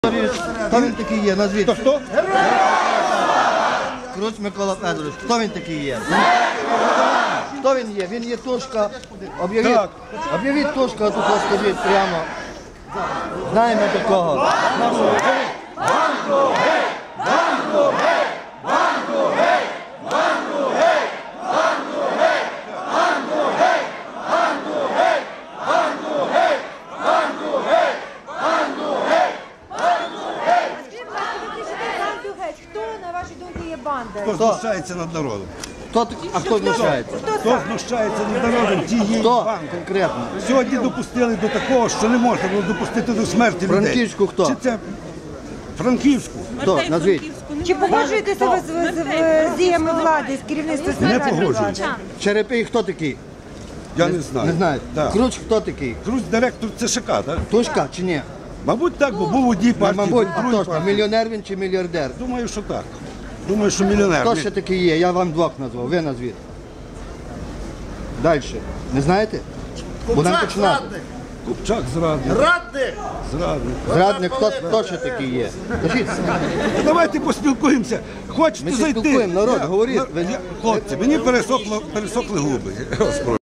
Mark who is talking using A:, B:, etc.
A: Хто він такий є? Назвіть.
B: Хто?
A: Круч Микола Федорович. Хто він такий є? Хто він є? Він є Тушка. Об'явіть Тушка, тут скажіть прямо. Знаємо такого.
C: Хто, на вашій думці, є банда?
B: Хто знущається над народом?
A: А хто знущається?
B: Хто знущається над народом, ті є
A: Хто
B: банди.
A: конкретно?
B: Сьогодні допустили до такого, що не можна було допустити до смерті людей.
A: Франківську хто?
B: Чи це Франківську?
A: Хто? Назвіть.
C: Чи погоджуєтеся ви з діями влади, з керівництвом
B: Не
C: влади?
B: погоджуюся.
A: Черепій хто такий?
B: Я не знаю.
A: Не знаєте.
B: Так.
A: Круч хто такий?
B: Круч директор ЦШК, так?
A: Тушка чи ні?
B: Мабуть, так, бо був у одній партії.
A: Мабуть,
B: був у другій
A: точно.
B: партії.
A: Мільйонер він чи мільярдер?
B: Думаю, що так. Думаю, що мільйонер.
A: Хто ще такий є? Я вам двох назвав. Ви назвіть. Далі. Не знаєте? Будемо починати.
B: Купчак зрадник. Зрадник.
A: Зрадник, хто ще такий є? Кажіть.
B: Давайте поспілкуємося. Хочете
A: Ми
B: зайти?
A: спілкуємо, народ, говоріть.
B: Хлопці, мені пересохли губи.